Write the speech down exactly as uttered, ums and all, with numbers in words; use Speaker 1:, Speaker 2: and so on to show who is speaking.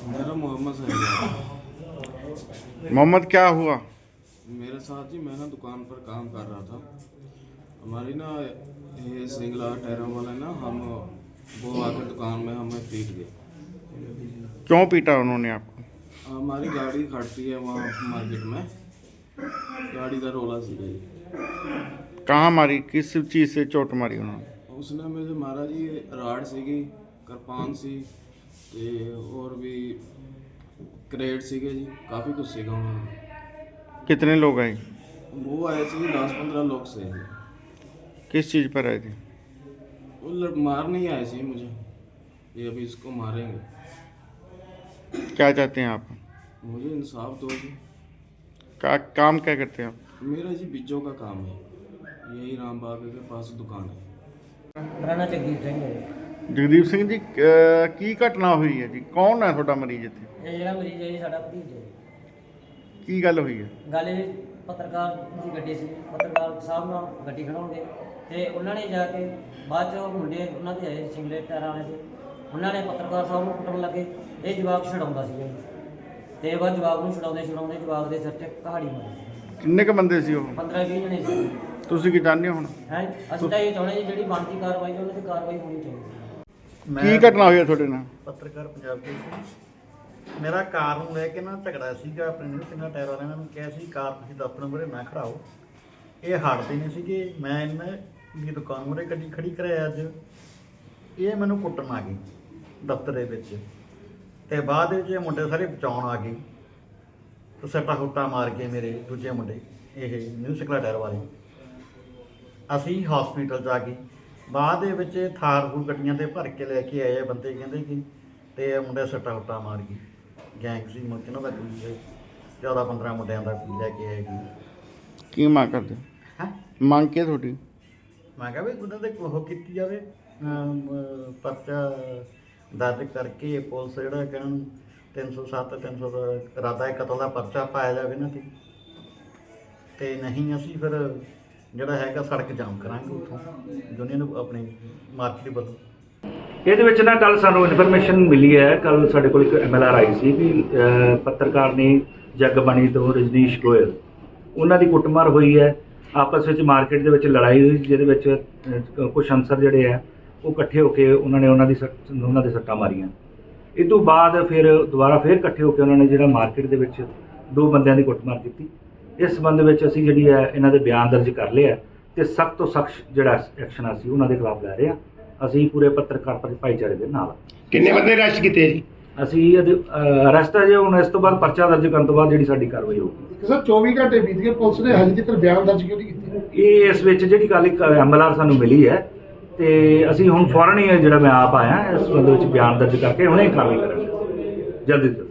Speaker 1: मेरा मोहम्मद साहिब।
Speaker 2: मोहम्मद, क्या हुआ?
Speaker 1: मेरे साथ जी, मैं ना दुकान पर काम कर रहा था। हमारी ना ये सिंगला टायरों वाले ना हम वो आकर दुकान में हमें पीट गए।
Speaker 2: क्यों पीटा उन्होंने आपको?
Speaker 1: हमारी गाड़ी खड़ती है वहाँ मार्केट में, गाड़ी का रोला सी जी।
Speaker 2: कहाँ मारी? किस चीज़ से चोट मारी उन्होंने?
Speaker 1: उसने मुझे मारा जी, राड़ सीगी, किरपान सी ते और भी करेट सीगे जी, काफ़ी कुछ सीगा उन्होंने।
Speaker 2: कितने लोग आए?
Speaker 1: वो आए थे दस पंद्रह लोग से जी।
Speaker 2: किस चीज़ पर आए थे?
Speaker 1: वो लड़- मार नहीं आए थे मुझे, ये अभी इसको मारेंगे।
Speaker 2: क्या चाहते हैं आप?
Speaker 1: मुझे इंसाफ दो जी।
Speaker 2: का, काम क्या करते हैं आप?
Speaker 1: मेरा जी बिज्जों का काम है, यही राम बाग के पास दुकान है।
Speaker 3: ਮੇਰਾ ਨਾਂ ਜਗਦੀਪ ਸਿੰਘ ਹੈ।
Speaker 2: ਜਗਦੀਪ ਸਿੰਘ ਜੀ, ਅਹ, ਕੀ ਘਟਨਾ ਹੋਈ ਹੈ ਜੀ? ਕੌਣ ਹੈ ਤੁਹਾਡਾ ਮਰੀਜ਼ ਇੱਥੇ?
Speaker 3: ਇਹ ਜਿਹੜਾ ਮਰੀਜ਼ ਹੈ ਜੀ ਸਾਡਾ ਭਤੀਜਾ ਹੈ।
Speaker 2: ਕੀ ਗੱਲ ਹੋਈ ਹੈ?
Speaker 3: ਗੱਲ ਇਹ ਪੱਤਰਕਾਰ ਦੀ ਗੱਡੀ ਸੀ, ਪੱਤਰਕਾਰ ਸਾਹਿਬ ਨਾਲ ਗੱਡੀ ਖੜਾਉਂਦੇ ਤੇ ਉਹਨਾਂ ਨੇ ਜਾ ਕੇ ਬਾਅਦ 'ਚ ਮੁੰਡੇ ਉਹਨਾਂ ਦੇ ਆਏ ਸਿੰਗਲੇ ਟਾਇਰਾਂ ਵਾਲੇ ਦੇ, ਉਹਨਾਂ ਨੇ ਪੱਤਰਕਾਰ ਸਾਹਿਬ ਨੂੰ ਕੁੱਟਣ ਲੱਗੇ। ਇਹ ਜਵਾਕ ਛਡਾਉਂਦਾ ਸੀ ਜੀ ਤੇ ਬਾਅਦ ਜਵਾਕ ਨੂੰ ਛਡਾਉਂਦੇ ਛਡਾਉਂਦੇ ਜਵਾਕ ਦੇ ਸਿਰ 'ਚ ਕਹਾੜੀ ਮਾਰੀ।
Speaker 2: ਕਿੰਨੇ ਕ ਬੰਦੇ ਸੀ ਉਹ?
Speaker 3: ਪੰਦਰਾਂ ਵੀਹ ਜਣੇ ਸੀ।
Speaker 2: ਤੁਸੀਂ ਕੀ ਚਾਹੁੰਦੇ ਹੋ ਹੁਣ?
Speaker 3: ਹੈ ਅਸੀਂ ਤਾਂ ਇਹ ਚਾਹੁੰਦੇ ਜੀ ਜਿਹੜੀ ਬਣਦੀ ਕਾਰਵਾਈ ਉਹਨਾਂ ਦੀ ਕਾਰਵਾਈ ਹੋਣੀ ਚਾਹੀਦੀ।
Speaker 2: ਕੀ ਘਟਨਾ ਹੋਈ ਹੈ ਤੁਹਾਡੇ ਨਾਲ?
Speaker 4: ਪੱਤਰਕਾਰ ਪੰਜਾਬ ਕੇਸਰੀ। ਮੇਰਾ ਕਾਰ ਨੂੰ ਲੈ ਕੇ ਨਾ ਝਗੜਾ ਸੀਗਾ ਆਪਣੇ ਨਿਊ ਸਿੰਘਾ ਟਾਇਰ ਵਾਲਿਆਂ ਨੇ ਮੈਨੂੰ ਕਿਹਾ ਸੀ ਕਾਰ ਤੁਸੀਂ ਦਫ਼ਤਰ ਮੂਹਰੇ ਨਾ ਖੜਾਓ। ਇਹ ਹਟਦੇ ਨਹੀਂ ਸੀਗੇ। ਮੈਂ ਇਹਨਾਂ ਦੀ ਦੁਕਾਨ ਮੂਹਰੇ ਗੱਡੀ ਖੜੀ ਕਰਾਇਆ ਅੱਜ। ਇਹ ਮੈਨੂੰ ਕੁੱਟਣ ਆ ਗਏ ਦਫ਼ਤਰ ਦੇ ਵਿੱਚ ਅਤੇ ਬਾਅਦ ਵਿੱਚ ਇਹ ਮੁੰਡੇ ਸਾਰੇ ਬਚਾਉਣ ਆ ਗਏ ਅਤੇ ਸੱਟਾ ਹੁੱਟਾ ਮਾਰ ਕੇ ਮੇਰੇ ਦੂਜੇ ਮੁੰਡੇ ਇਹ ਨਿਊ ਸਿੰਘਾ ਟਾਇਰ ਵਾਲੇ ਅਸੀਂ ਹਸਪੀਟਲ 'ਚ ਆ ਗਏ। ਬਾਅਦ ਦੇ ਵਿੱਚ ਥਾਰ ਥੂਰ ਗੱਡੀਆਂ 'ਤੇ ਭਰ ਕੇ ਲੈ ਕੇ ਆਏ ਆ ਬੰਦੇ, ਕਹਿੰਦੇ ਕਿ ਤੇ ਮੁੰਡੇ ਸੱਟਾ ਹੁੱਟਾ ਮਾਰ ਗਏ। ਗੈਂਗ ਸੀ ਮੁੜ ਇਹਨਾਂ ਦਾ ਕੋਈ ਚੌਦਾਂ ਪੰਦਰਾਂ ਮੁੰਡਿਆਂ ਦਾ ਕੋਈ ਲੈ ਕੇ ਆਏ ਗਏ।
Speaker 2: ਕੀ ਮੰਗ ਕਰਦੇ ਹੋ?
Speaker 4: ਹੈਂ
Speaker 2: ਮੰਗ ਕੀ ਤੁਹਾਡੀ?
Speaker 4: ਮੈਂ ਕਿਹਾ ਵੀ ਉਹਨਾਂ ਦੇ ਉਹ ਕੀਤੀ ਜਾਵੇ, ਅਮ, ਪਰਚਾ ਦਰਜ ਕਰਕੇ ਪੁਲਿਸ ਜਿਹੜਾ ਕਿ ਇਹਨਾਂ ਨੂੰ ਤਿੰਨ ਸੌ ਸੱਤ ਤਿੰਨ ਸੌ ਇਰਾਦਾ ਕਤਲ ਦਾ ਪਰਚਾ ਪਾਇਆ ਜਾਵੇ ਇਹਨਾਂ 'ਤੇ। ਅਤੇ ਨਹੀਂ ਅਸੀਂ ਫਿਰ ਜਿਹੜਾ ਹੈਗਾ ਸੜਕ ਜਾਮ ਕਰਾਂਗੇ ਉੱਥੋਂ ਯੂਨੀਅਨ ਆਪਣੀ ਮਾਰਕੀਟ ਵੱਲੋਂ।
Speaker 5: ਇਹਦੇ ਵਿੱਚ ਨਾ ਕੱਲ ਸਾਨੂੰ ਇਨਫੋਰਮੇਸ਼ਨ ਮਿਲੀ ਹੈ। ਕੱਲ ਸਾਡੇ ਕੋਲ ਇੱਕ ਐਮ ਐਲ ਆਰ ਆਈ ਸੀ ਕਿ ਅਹ, ਪੱਤਰਕਾਰ ਨੇ ਜਗਬਾਣੀ ਤੋਂ ਰਜਨੀਸ਼ ਗੋਇਲ, ਉਹਨਾਂ ਦੀ ਕੁੱਟਮਾਰ ਹੋਈ ਹੈ। ਆਪਸ ਵਿੱਚ ਮਾਰਕੀਟ ਦੇ ਵਿੱਚ ਲੜਾਈ ਹੋਈ, ਜਿਹਦੇ ਵਿੱਚ ਅਹ, ਕੁਛ ਅਨਸਰ ਜਿਹੜੇ ਆ ਉਹ ਇਕੱਠੇ ਹੋ ਕੇ ਉਹਨਾਂ ਨੇ ਉਹਨਾਂ ਦੀ ਸੱਟ ਉਹਨਾਂ ਦੇ ਸੱਟਾਂ ਮਾਰੀਆਂ। ਇਹ ਤੋਂ ਬਾਅਦ ਫਿਰ ਦੁਬਾਰਾ ਫਿਰ ਇਕੱਠੇ ਹੋ ਕੇ ਉਹਨਾਂ ਨੇ ਜਿਹੜਾ ਮਾਰਕੀਟ ਦੇ ਵਿੱਚ ਦੋ ਬੰਦਿਆਂ ਦੀ ਕੁੱਟਮਾਰ ਕੀਤੀ। ਇਸ ਸੰਬੰਧ ਵਿੱਚ ਅਸੀਂ ਜਿਹੜੀ ਹੈ ਇਹਨਾਂ ਦੇ ਬਿਆਨ ਦਰਜ ਕਰ ਲਿਆ ਅਤੇ ਸਖਤ ਤੋਂ ਸਖਤ ਜਿਹੜਾ ਐਕਸ਼ਨ ਅਸੀਂ ਉਹਨਾਂ ਦੇ ਖਿਲਾਫ ਲੈ ਰਹੇ ਹਾਂ। ਅਸੀਂ ਪੂਰੇ ਪੱਤਰਕਾਰ ਭਾਈਚਾਰੇ ਦੇ ਨਾਲ।
Speaker 6: ਕਿੰਨੇ ਬੰਦੇ ਅਰੈਸਟ ਕੀਤੇ ਜੀ?
Speaker 5: ਅਸੀਂ ਇਹਦੇ ਅਰੈਸਟ ਅਜੇ ਹੁਣ ਇਸ ਤੋਂ ਬਾਅਦ ਪਰਚਾ ਦਰਜ ਕਰਨ ਤੋਂ ਬਾਅਦ ਜਿਹੜੀ ਸਾਡੀ ਕਾਰਵਾਈ ਹੋਊਗੀ।
Speaker 6: ਸਰ ਚੌਵੀ ਘੰਟੇ ਬੀਤ ਗਏ, ਪੁਲਿਸ ਨੇ ਹਜੇ ਤੱਕ ਬਿਆਨ ਦਰਜ ਕਿਉਂ ਨਹੀਂ ਕੀਤੇ?
Speaker 5: ਇਹ ਇਸ ਵਿੱਚ ਜਿਹੜੀ ਕੱਲ੍ਹ ਇੱਕ ਐਮ ਐਲ ਆਰ ਸਾਨੂੰ ਮਿਲੀ ਹੈ ਅਤੇ ਅਸੀਂ ਹੁਣ ਫੌਰਨ ਹੀ ਜਿਹੜਾ ਮੈਂ ਆਪ ਆਇਆ ਇਸ ਸੰਬੰਧ ਵਿੱਚ ਬਿਆਨ ਦਰਜ ਕਰਕੇ ਹੁਣੇ ਕਾਰਵਾਈ ਕਰਾਂਗੇ ਜਲਦੀ ਤੋਂ ਜਲਦੀ।